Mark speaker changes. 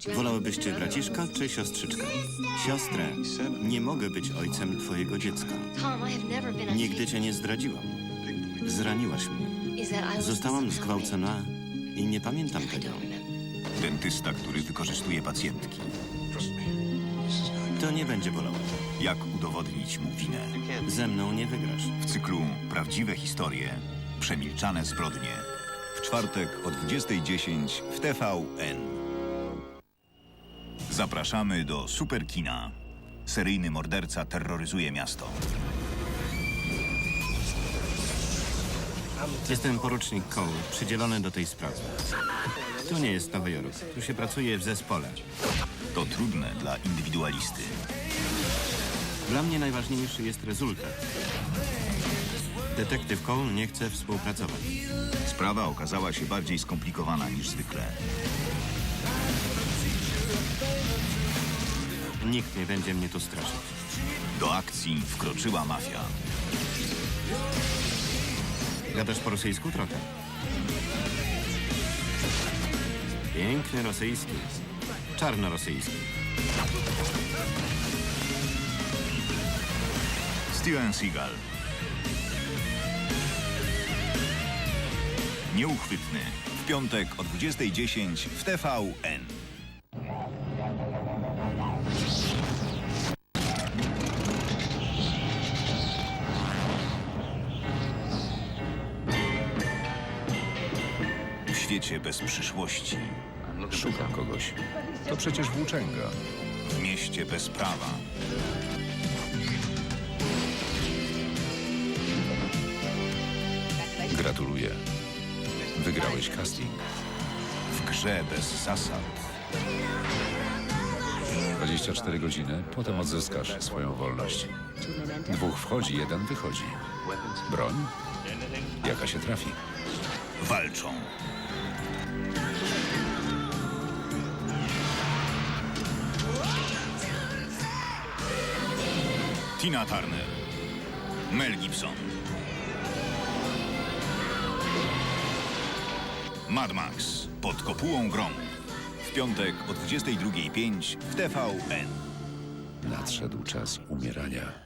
Speaker 1: Wolałybyście braciszka czy siostrzyczkę? Siostrę. Nie mogę być ojcem twojego dziecka. Nigdy cię nie zdradziłam. Zraniłaś mnie. Zostałam zgwałcona i nie pamiętam tego.
Speaker 2: Dentysta, który wykorzystuje pacjentki.
Speaker 1: To nie będzie bolało.
Speaker 2: Jak udowodnić mu winę?
Speaker 1: Ze mną nie wygrasz.
Speaker 2: W cyklu Prawdziwe historie, przemilczane zbrodnie. W czwartek o 20:10 w TVN. Zapraszamy do Superkina. Seryjny morderca terroryzuje miasto.
Speaker 1: Jestem porucznik Cole, przydzielony do tej sprawy. Tu nie jest Nowy Jork. Tu się pracuje w zespole.
Speaker 2: To trudne dla indywidualisty.
Speaker 1: Dla mnie najważniejszy jest rezultat. Detektyw Cole nie chce współpracować.
Speaker 2: Sprawa okazała się bardziej skomplikowana niż zwykle.
Speaker 1: Nikt nie będzie mnie tu straszyć.
Speaker 2: Do akcji wkroczyła mafia.
Speaker 1: Gadasz po rosyjsku trochę? Piękny rosyjski. Czarnorosyjski.
Speaker 2: Steven Seagal. Nieuchwytny. W piątek o 20:10 w TVN. W świecie bez przyszłości.
Speaker 3: Szukam kogoś. To przecież włóczęga.
Speaker 2: W mieście bez prawa.
Speaker 3: Gratuluję. Wygrałeś casting.
Speaker 2: W grze bez zasad.
Speaker 3: 24 godziny, potem odzyskasz swoją wolność. 2 wchodzi, 1 wychodzi. Broń? Jaka się trafi?
Speaker 2: Walczą. Tina Turner. Mel Gibson. Mad Max. Pod kopułą gromu. W piątek o 22:05 w TVN.
Speaker 3: Nadszedł czas umierania.